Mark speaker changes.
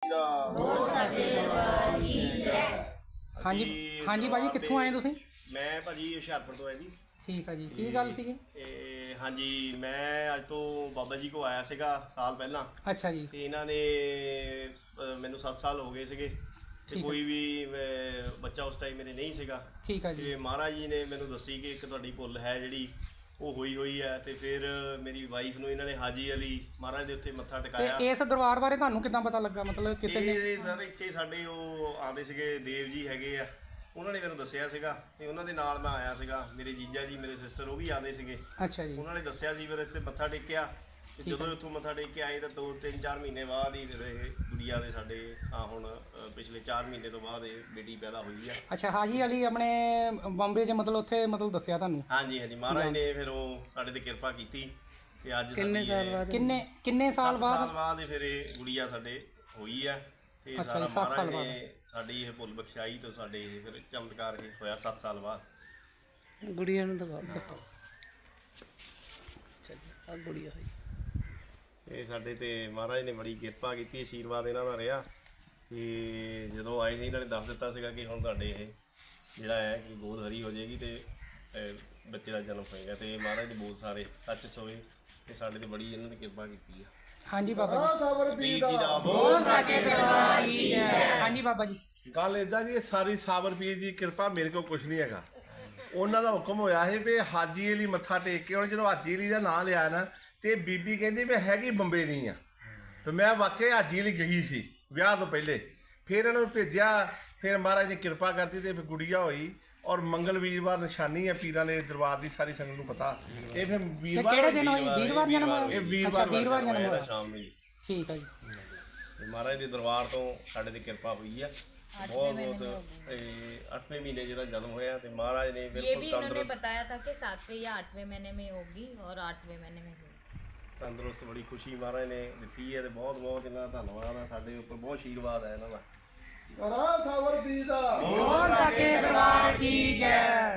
Speaker 1: ਹਾਂਜੀ ਹਾਂਜੀ ਭਾਜੀ, ਕਿੱਥੋਂ ਆਏ ਤੁਸੀਂ?
Speaker 2: ਮੈਂ ਭਾਜੀ ਹੁਸ਼ਿਆਰਪੁਰ ਤੋਂ ਆਇਆ ਜੀ।
Speaker 1: ਠੀਕ ਆ ਜੀ, ਕੀ ਗੱਲ ਸੀਗੀ?
Speaker 2: ਹਾਂਜੀ, ਮੈਂ ਅੱਜ ਤੋਂ ਬਾਬਾ ਜੀ ਕੋ ਆਇਆ ਸੀਗਾ ਸਾਲ ਪਹਿਲਾਂ।
Speaker 1: ਅੱਛਾ ਜੀ।
Speaker 2: ਤੇ ਇਹਨਾਂ ਨੇ ਮੈਨੂੰ 7 ਸਾਲ ਹੋ ਗਏ ਸੀਗੇ ਤੇ ਕੋਈ ਵੀ ਬੱਚਾ ਉਸ ਟਾਈਮ ਮੇਰੇ ਨਹੀਂ ਸੀਗਾ।
Speaker 1: ਠੀਕ ਆ ਜੀ।
Speaker 2: ਤੇ ਮਹਾਰਾਜ ਜੀ ਨੇ ਮੈਨੂੰ ਦੱਸੀ ਕਿ ਇੱਕ ਤੁਹਾਡੀ ਭੁੱਲ ਹੈ ਜਿਹੜੀ ਉਹ ਹੋਈ ਹੈ। ਤੇ ਫਿਰ ਮੇਰੀ ਵਾਈਫ ਨੂੰ ਇਹਨਾਂ ਨੇ ਹਾਜੀ ਅਲੀ ਮਹਾਰਾਜ ਦੇ ਉੱਤੇ ਮੱਥਾ ਟਿਕਾਇਆ।
Speaker 1: ਤੇ ਇਸ ਦਰਬਾਰ ਬਾਰੇ ਤੁਹਾਨੂੰ ਕਿੱਦਾਂ ਪਤਾ ਲੱਗਾ? ਮਤਲਬ ਕਿਸੇ ਨੇ?
Speaker 2: ਇਹ ਸਰ ਇੱਥੇ ਸਾਡੇ ਉਹ ਆਉਂਦੇ ਸੀਗੇ ਦੇਵ ਜੀ ਹੈਗੇ ਆ, ਉਹਨਾਂ ਨੇ ਮੈਨੂੰ ਦੱਸਿਆ ਸੀਗਾ ਤੇ ਉਹਨਾਂ ਦੇ ਨਾਲ ਮੈਂ ਆਇਆ ਸੀਗਾ। ਮੇਰੇ ਜੀਜਾ ਜੀ ਮੇਰੇ ਸਿਸਟਰ ਉਹ ਵੀ ਆਉਂਦੇ ਸੀਗੇ।
Speaker 1: ਅੱਛਾ ਜੀ।
Speaker 2: ਉਹਨਾਂ ਨੇ ਦੱਸਿਆ ਸੀ ਫਿਰ ਇੱਥੇ ਮੱਥਾ ਟੇਕਿਆ ਤੇ ਜਦੋਂ ਉੱਥੋਂ ਮੱਥਾ ਟੇਕ ਕੇ ਆਏ ਤਾਂ 2-3-4 ਮਹੀਨੇ ਬਾਅਦ ਹੀ ਫਿਰ ਇਹ ਗੁੜੀਆ ਦੇ ਸਾਡੇ ਹੁਣ ਪਿਛਲੇ 4 ਮਹੀਨੇ ਤੋਂ ਬਾਅਦ ਇਹ ਬੇਟੀ ਪੈਦਾ ਹੋਈ ਆ।
Speaker 1: ਅੱਛਾ, ਹਾਜੀ ਅਲੀ ਆਪਣੇ ਬੰਬੇ 'ਚ ਮਤਲਬ ਉੱਥੇ ਮਤਲਬ ਦੱਸਿਆ ਤੁਹਾਨੂੰ?
Speaker 2: ਹਾਂਜੀ ਹਾਂਜੀ, ਮਹਾਰਾਜ ਨੇ ਫਿਰ ਉਹ ਸਾਡੇ ਤੇ ਕਿਰਪਾ ਕੀਤੀ ਤੇ ਅੱਜ
Speaker 1: ਕਿੰਨੇ ਸਾਲ ਬਾਅਦ
Speaker 2: ਫਿਰ ਇਹ ਗੁੜੀਆ ਸਾਡੇ ਹੋਈ ਆ। ਤੇ ਸਾਰਾ ਮਹਾਰਾਜ ਨੇ ਸਾਡੀ ਇਹ ਭੁੱਲ ਬਖਸ਼ਾਈ ਤੋਂ ਸਾਡੇ ਇਹ ਫਿਰ ਚਮਤਕਾਰ ਇਹ ਹੋਇਆ 7 ਸਾਲ ਬਾਅਦ।
Speaker 1: ਗੁੜੀਆ ਨੂੰ ਦਿਖਾਓ। ਅੱਛਾ ਜੀ, ਆ ਗੁੜੀਆ ਹੋਈ।
Speaker 2: ਇਹ ਸਾਡੇ ਤੇ ਮਹਾਰਾਜ ਨੇ ਬੜੀ ਕਿਰਪਾ ਕੀਤੀ, ਆਸ਼ੀਰਵਾਦ ਇਹਨਾਂ ਦਾ ਰਿਹਾ। ਤੇ ਜਦੋਂ ਆਏ ਸੀ ਇਹਨਾਂ ਨੇ ਦੱਸ ਦਿੱਤਾ ਸੀਗਾ ਕਿ ਹੁਣ ਤੁਹਾਡੇ ਇਹ ਜਿਹੜਾ ਹੈ ਕਿ ਗੋਦ ਹਰੀ ਹੋ ਜਾਏਗੀ ਤੇ ਬੱਚੇ ਦਾ ਜਨਮ ਹੋਏਗਾ। ਤੇ ਮਹਾਰਾਜ ਦੇ ਬਹੁਤ ਸਾਰੇ ਸੱਚ ਸੋਏ ਤੇ ਸਾਡੇ ਤੇ ਬੜੀ ਇਹਨਾਂ ਨੇ ਕਿਰਪਾ ਕੀਤੀ ਆ। ਹਾਂਜੀ ਬਾਬਾ ਜੀ ਦਾ ਬਹੁਤ ਸਾਚੇ ਦਰਬਾਰ ਕੀ ਹੈ।
Speaker 1: ਹਾਂਜੀ ਬਾਬਾ ਜੀ,
Speaker 3: ਗੱਲ ਇਦਾਂ ਜੀ, ਸਾਰੀ ਸਾਬਰ ਪੀਰ ਦੀ ਕਿਰਪਾ, ਮੇਰੇ ਕੋਲ ਕੁਝ ਨਹੀਂ ਹੈਗਾ। ਉਹਨਾਂ ਦਾ ਹੁਕਮ ਹੋਇਆ ਸੀ ਵੀ ਹਾਜੀ ਅਲੀ ਮੱਥਾ ਟੇਕ ਕੇ, ਹੁਣ ਜਦੋਂ ਹਾਜੀ ਅਲੀ ਦਾ ਨਾਂ ਲਿਆ ਨਾ ਤੇ ਬੀਬੀ ਕਹਿੰਦੀ ਮੈਂ ਹੈਗੀ ਬੰਬੇ ਨਹੀਂ ਆ। ਤੇ ਮੈਂ ਵਾਕਿਆ ਹਾਜੀ ਅਲੀ ਗਈ ਸੀ ਵਿਆਹ ਤੋਂ ਪਹਿਲੇ। ਫਿਰ ਇਹਨਾਂ ਨੂੰ ਭੇਜਿਆ, ਫਿਰ ਮਹਾਰਾਜ ਨੇ ਕਿਰਪਾ ਕਰਤੀ ਤੇ ਗੁੜੀਆ ਹੋਈ। ਔਰ ਮੰਗਲ ਵੀਰਵਾਰ ਨਿਸ਼ਾਨੀ ਹੈ ਪੀਰਾਂ ਦੇ ਦਰਬਾਰ ਦੀ, ਸਾਰੀ ਸੰਗਤ ਨੂੰ ਪਤਾ। ਇਹ ਫਿਰ ਵੀਰਵਾਰ
Speaker 1: ਕਿਹੜੇ ਦਿਨ ਹੋਈ? ਵੀਰਵਾਰ ਜਨਮ ਹੋਇਆ?
Speaker 3: ਇਹ ਵੀਰਵਾਰ
Speaker 1: ਜਨਮ ਹੋਇਆ
Speaker 2: ਸ਼ਾਮ ਨੂੰ।
Speaker 1: ਠੀਕ ਆ ਜੀ।
Speaker 2: ਮਹਾਰਾਜ ਦੇ ਦਰਬਾਰ ਤੋਂ ਸਾਡੇ ਤੇ ਕਿਰਪਾ ਹੋਈ ਆ बहुत 8वें महीने जरा जन्म होया तो महाराज ने
Speaker 4: ये भी इन्होंने बताया था कि 7वें या 8वें महीने में होगी और 8वें महीने में होगी।
Speaker 2: तंदुरुस्त बड़ी खुशी महाराज ने दी है तो बहुत बहुत इन्हों का धन्यवाद है। साडे उपर बहुत आशीर्वाद है इन्हों का।
Speaker 5: सावर पीर दा
Speaker 1: बोल सके दरबार की जय।